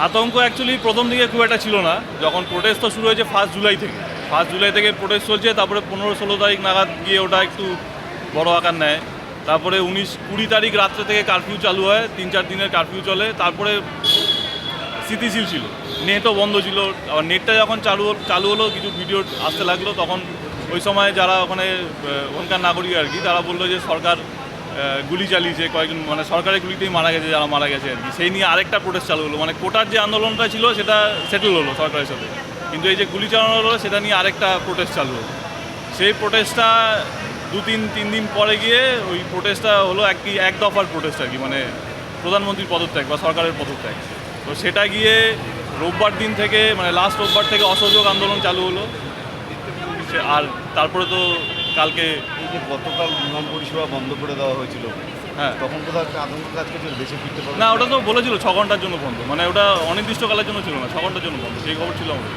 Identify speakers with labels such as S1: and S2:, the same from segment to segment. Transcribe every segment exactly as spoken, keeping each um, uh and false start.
S1: আতঙ্ক অ্যাকচুয়ালি প্রথম দিকে খুব একটা ছিল না, যখন প্রোটেস্ট তো শুরু হয়েছে ফার্স্ট জুলাই থেকে ফার্স্ট জুলাই থেকে প্রোটেস্ট চলছে, তারপরে পনেরো ষোলো তারিখ নাগাদ গিয়ে ওটা একটু বড় আকার নেয়। তারপরে উনিশ কুড়ি তারিখ রাত্রে থেকে কারফিউ চালু হয়, তিন চার দিনের কারফিউ চলে। তারপরে স্থিতিশীল ছিল, নেটও বন্ধ ছিল। আবার নেটটা যখন চালু চালু হলো, কিছু ভিডিও আসতে লাগলো, তখন ওই সময় যারা ওখানে ওখানকার নাগরিক আর কি, তারা বললো যে সরকার গুলি চালিয়েছে, কয়েকজন মানে সরকারের গুলিতেই মারা গেছে যারা মারা গেছে আর কি। সেই নিয়ে আরেকটা প্রোটেস্ট চালু হলো, মানে কোটার যে আন্দোলনটা ছিল সেটা সেটেল হলো সরকারের সাথে, কিন্তু এই যে গুলি চালানো হলো সেটা নিয়ে আরেকটা প্রোটেস্ট চালু হলো। সেই প্রোটেস্টটা দু তিন তিন দিন পরে গিয়ে ওই প্রোটেস্টটা হলো এক কি এক দফার প্রোটেস্ট আর কি, মানে প্রধানমন্ত্রীর পদত্যাগ বা সরকারের পদত্যাগ। তো সেটা গিয়ে রোববার দিন থেকে মানে লাস্ট রোববার থেকে অসহযোগ আন্দোলন চালু হলো। আর তারপরে তো কালকে
S2: এই যে গতকাল বিমান পরিষেবা বন্ধ করে দেওয়া হয়েছিল,
S1: হ্যাঁ,
S2: তখন তো একটা আতঙ্ক কাজ করছিল, দেশে ফিরতে পারবে
S1: না ওটা তো বলেছিল ছ ঘন্টার জন্য বন্ধ, মানে ওটা অনির্দিষ্টকালের জন্য ছিল না, ছ ঘন্টার জন্য বন্ধ, সেই খবর ছিল আমাদের।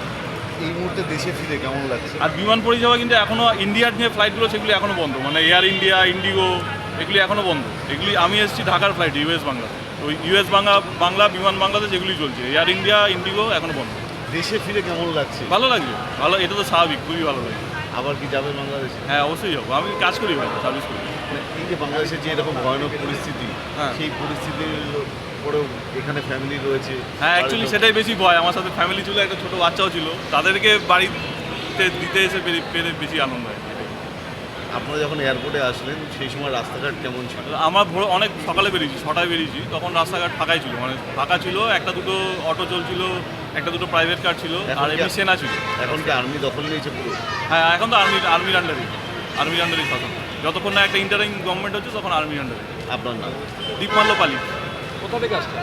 S2: এই মুহূর্তে দেশে ফিরে কেমন লাগছে?
S1: আর বিমান পরিষেবা কিন্তু এখনও ইন্ডিয়ার যে ফ্লাইটগুলো সেগুলি এখনও বন্ধ, মানে এয়ার ইন্ডিয়া, ইন্ডিগো, এগুলি এখনও বন্ধ। এগুলি আমি এসেছি ঢাকার ফ্লাইট ইউএস বাংলা, ওই ইউএস বাংলা বাংলা বিমান বাংলাদেশ এগুলি চলছে, এয়ার ইন্ডিয়া, ইন্ডিগো এখনও বন্ধ।
S2: দেশে ফিরে কেমন লাগছে?
S1: ভালো লাগবে, ভালো, এটা তো স্বাভাবিক, খুবই ভালো লাগে।
S2: আবার কি যাবে বাংলাদেশে?
S1: হ্যাঁ অবশ্যই যাবো, আমি কাজ করি ভালো, সার্ভিস করি।
S2: মানে এই যে বাংলাদেশের যে এরকম ভয়ানক পরিস্থিতি,
S1: হ্যাঁ।
S2: সেই পরিস্থিতির পরেও এখানে ফ্যামিলি রয়েছে।
S1: হ্যাঁ অ্যাকচুয়ালি সেটাই বেশি ভয়, আমার সাথে ফ্যামিলি ছিল, একটা ছোটো বাচ্চাও ছিল, তাদেরকে বাড়িতে দিতে এসে পেরে পেরে বেশি আনন্দ হয়।
S2: আপনারা যখন এয়ারপোর্টে আসলেন সেই সময় রাস্তাঘাট কেমন ছিল?
S1: আমার ভোর অনেক সকালে বেরিয়েছি, ছটায় বেরিয়েছি, তখন রাস্তাঘাট ফাঁকাই ছিল, মানে ফাঁকা ছিল, একটা দুটো অটো চলছিল, একটা দুটো প্রাইভেট কার ছিল,
S2: এখন
S1: আর
S2: কি-
S1: এমনি সেনা ছিল।
S2: এখন কি আর্মি দখল নিয়েছে পুরো?
S1: হ্যাঁ এখন তো আর্মি আর্মির আন্ডারে আর্মির আন্ডারেই শাসন, যতক্ষণ না একটা ইন্টারিম গভর্নমেন্ট হচ্ছে তখন আর্মির আন্ডারে।
S2: আপনার নাম?
S1: দীপমাল্য পালি।
S3: কোথা থেকে আসছেন?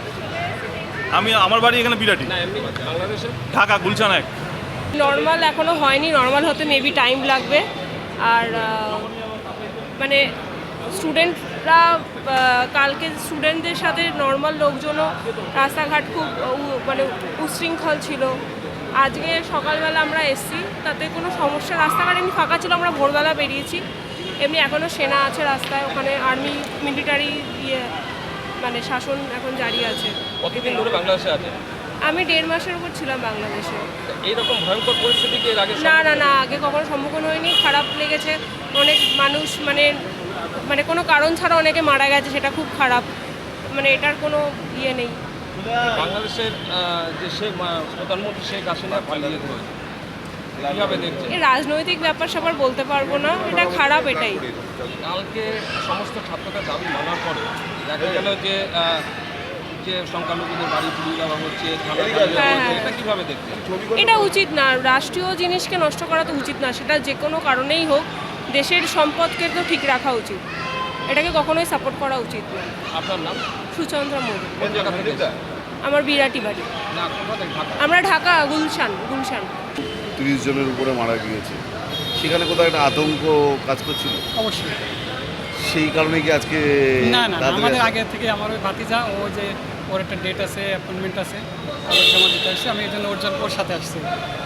S1: আমি আমার বাড়ি এখানে বিরাটি,
S3: না এমনি বাংলাদেশে।
S1: ঢাকা গুলশান এক।
S4: নর্মাল এখনও হয়নি, নর্মাল হতে মেবি টাইম লাগবে। আর আহ, মানে স্টুডেন্টরা কালকে স্টুডেন্টদের সাথে নর্মাল লোকজনও রাস্তাঘাট খুব উ- মানে উশৃঙ্খল ছিল। আজকে সকালবেলা আমরা এসছি, তাতে কোনো সমস্যা, রাস্তাঘাট এমনি ফাঁকা ছিল, আমরা ভোরবেলা বেরিয়েছি। এমনি এখনও সেনা আছে রাস্তায়, ওখানে আর্মি মিলিটারি ইয়ে মানে শাসন এখন জারি আছে।
S3: কতদিন ধরে বাংলাদেশে আছে?
S4: আমি দেড় মাসের উপর ছিলাম বাংলাদেশে।
S3: এইরকম ভয়ঙ্কর পরিস্থিতি কি এর আগে
S4: না না না আগে কখনো সম্মুখীন হয়নি, খারাপ লেগেছে। অনেক মানুষ মানে মানে কোনো কারণ ছাড়া অনেকে মারা গেছে, সেটা খুব খারাপ, মানে এটার কোনো ইয়ে নেই।
S3: বাংলাদেশের আহ, যে শেখ মা- প্রধানমন্ত্রী শেখ হাসিনা পালিয়ে যেতে হয়েছে, কীভাবে দেখছেন?
S4: এই রাজনৈতিক ব্যাপার সবার বলতে পারবো না, এটা খারাপ, এটাই।
S3: কালকে সমস্ত ছাত্রদের দাবি মানার পরে দেখা গেল যে আহ, যে সংখ্যালঘুদের বাড়ি পুড়িয়ে দেওয়া হচ্ছে, থানা জ্বালিয়ে দেওয়া
S4: হ্যাঁ,
S3: হচ্ছে,
S4: হ্যাঁ।
S3: এটা কীভাবে দেখছেন?
S4: এটা উচিত না, রাষ্ট্রীয় জিনিসকে নষ্ট করা তো উচিত না, সেটা যে কোনো কারণেই হোক, দেশের সম্পদকে তো ঠিক রাখা উচিত, এটাকে কখনোই সাপোর্ট করা উচিত না।
S3: আপনার নাম?
S4: সুচন্দ্রা মোদী।
S3: কোন জায়গা থেকে এসেছেন?
S4: আমার বিরাটি বাড়ি।
S3: না কোথা থেকে? ঢাকা।
S4: আমরা ঢাকা গুলশান গুলশান
S2: তিরিশ জনের উপরে মারা গিয়েছে, সেখানে কোথাও একটা আতঙ্ক কাজ করছিল,
S5: অবশ্যই।
S2: সেই কারণে কি আজকে
S5: না না না,
S2: তাড়াতাড়ি
S5: আমাদের
S2: আসা?
S5: আগে থেকে আমার ওই ভাতিজা, ও যে ওর একটা ডেট আছে, অ্যাপয়েন্টমেন্ট আছে, কাগজ জমা দিতে আসছে, আমি এই জন্য ওর জন্য ওর সাথে আসছি।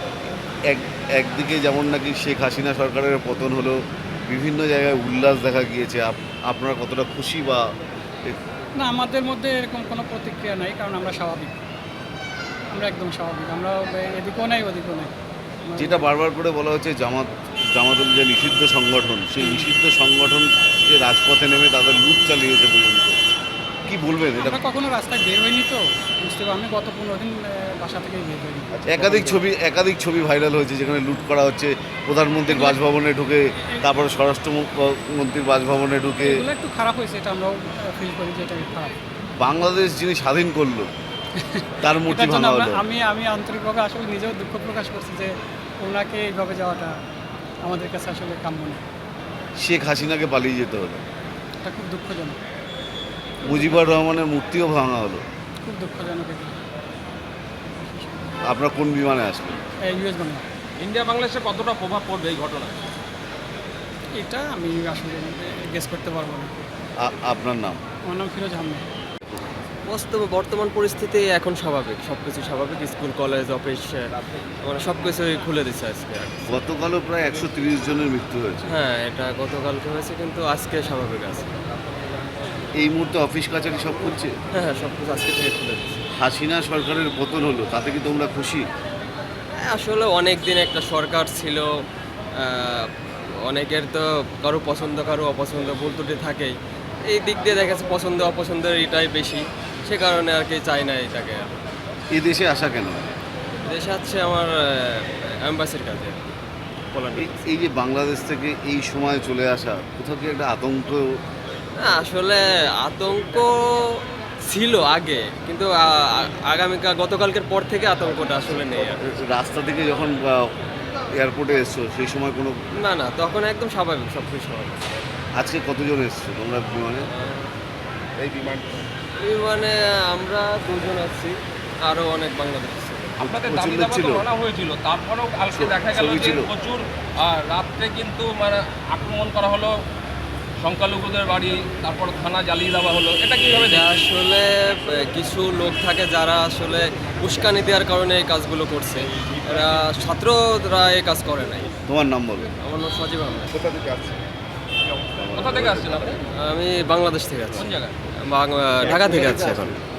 S2: এক একদিকে যেমন নাকি শেখ হাসিনা সরকারের পতন হলো, বিভিন্ন জায়গায় উল্লাস দেখা গিয়েছে, আপ- আপনারা কতটা খুশি বা
S5: না, আমাদের মধ্যে এরকম কোনো প্রতিক্রিয়া নাই, কারণ আমরা স্বাভাবিক, আমরা একদম স্বাভাবিক, আমরা এদিকেও নাই ওদিকেও নাই। আমরা-
S2: যেটা বারবার করে বলা হচ্ছে জামাত জামাতুল যে নিষিদ্ধ সংগঠন, সেই নিষিদ্ধ সংগঠন যে রাজপথে নেমে তাদের লুট চালিয়েছে পর্যন্ত, কি বলবেন এটা?
S5: আমরা কখনো রাস্তায় বের হইনি, তো বুঝতে পারি, আমি গত পনেরো দিন আহ, বাসা থেকেই বের হইনি।
S2: একাধিক ছবি একাধিক ছবি ভাইরাল হয়েছে যেখানে লুট করা হচ্ছে, প্রধানমন্ত্রীর বাসভবনে ঢুকে, তারপরে স্বরাষ্ট্রমন্ত্রীর বাসভবনে ঢুকে।
S5: এগুলো একটু খারাপ হয়েছে, এটা আমরাও ফিল করি যে এটা খারাপ।
S2: বাংলাদেশ যিনি স্বাধীন করলো তার মূর্তি
S5: এটার জন্য
S2: ভাঙা
S5: আমরা
S2: হলো।
S5: আমি আমি আন্তরিকভাবে আসলে নিজেও দুঃখ প্রকাশ করছি যে ওনাকে এইভাবে যাওয়াটা আমাদের কাছে আসলে কাম্য না,
S2: শেখ হাসিনাকে পালিয়ে যেতে হলো,
S5: এটা খুব দুঃখজনক,
S2: মুজিবুর রহমানের মূর্তিও ভাঙা হলো।
S5: খুব দুঃখজনক। এটা
S2: আপনারা কোন বিমানে আসবেন?
S5: ইউএস বাংলা,
S3: ইন্ডিয়া বাংলাদেশে কতটা প্রভাব পড়বে এই ঘটনা?
S5: এটা আমি আসলে গেস করতে পারবো না।
S2: আ- আপনার নাম?
S5: আমার নাম ফিরোজ আহমেদ।
S6: বাস্তবে বর্তমান পরিস্থিতি এখন স্বাভাবিক, সব কিছু স্বাভাবিক, স্কুল কলেজ অফিস মানে সব কিছুই খুলে দিচ্ছে আজকে।
S2: গতকালও প্রায় একশো তিরিশ জনের মৃত্যু হয়েছে।
S6: হ্যাঁ, এটা গতকালকে হয়েছে, কিন্তু আজকে স্বাভাবিক আছে।
S2: এই মুহূর্তে অফিস কাছারি সব খুলছে।
S6: হ্যাঁ হ্যাঁ, সব কিছু আজকে থেকে খুলে দিচ্ছে।
S2: হাসিনা সরকারের পতন হলো, তাতে কি তোমরা খুশি?
S6: আসলে অনেক দিন একটা সরকার ছিল, আহ, অনেকের তো কারো পছন্দ কারো অপছন্দ ভুল ত্রুটি থাকেই। এই দিক দিয়ে দেখা যাচ্ছে পছন্দ অপছন্দের এটাই বেশি, সে কারণে আর কি চাই না এটাকে।
S2: এই দেশে আসা কেন?
S6: দেশে আছে আমার অ্যাম্বাসির কাছে পোল্যান্ডে।
S2: এই- এই যে বাংলাদেশ থেকে এই সময় চলে আসা, কোথাও কি একটা আতঙ্ক?
S6: না, আসলে আতঙ্ক ছিল আগে, কিন্তু আ- আ- আগামীকাল গতকালকের পর থেকে আতঙ্কটা আসলে নেই আর।
S2: রাস্তা থেকে যখন এয়ারপোর্টে এসছো সেই সময় কোনো,
S6: না না, তখন একদম স্বাভাবিক, সব কিছু স্বাভাবিক।
S2: আজকে কতজন এসছো তোমরা বিমানে?
S6: বিমানে আমরা দুজন আছি, আরও অনেক বাংলাদেশ ছিল।
S3: আপনাদের দাবি
S2: প্রচণ্ড
S3: দাবা
S2: ছিল।
S3: তো মানা হয়েছিল, তারপরেও কালকে দেখা গেল
S2: ছবি
S3: যে
S2: ছিল।
S3: প্রচুর আহ, রাত্রে কিন্তু মানে আক্রমণ করা হলো সংখ্যালঘুদের বাড়ি, তারপর থানা জ্বালিয়ে দেওয়া হলো, এটা কিভাবে
S6: এটা
S3: দেখেন?
S6: আসলে আহ, কিছু লোক থাকে যারা আসলে উস্কানি দেওয়ার কারণে এই কাজগুলো করছে। এরা ছাত্ররা এই কাজ করে নাই।
S2: তোমার নাম বলো।
S6: আমার নাম সজীব আহমেদ।
S3: কোথা থেকে আসছেন আপনি?
S6: আমি বাংলাদেশ থেকে আছি,
S3: কোন জায়গায়?
S6: বাং- ঢাকা থেকে আছি এখন।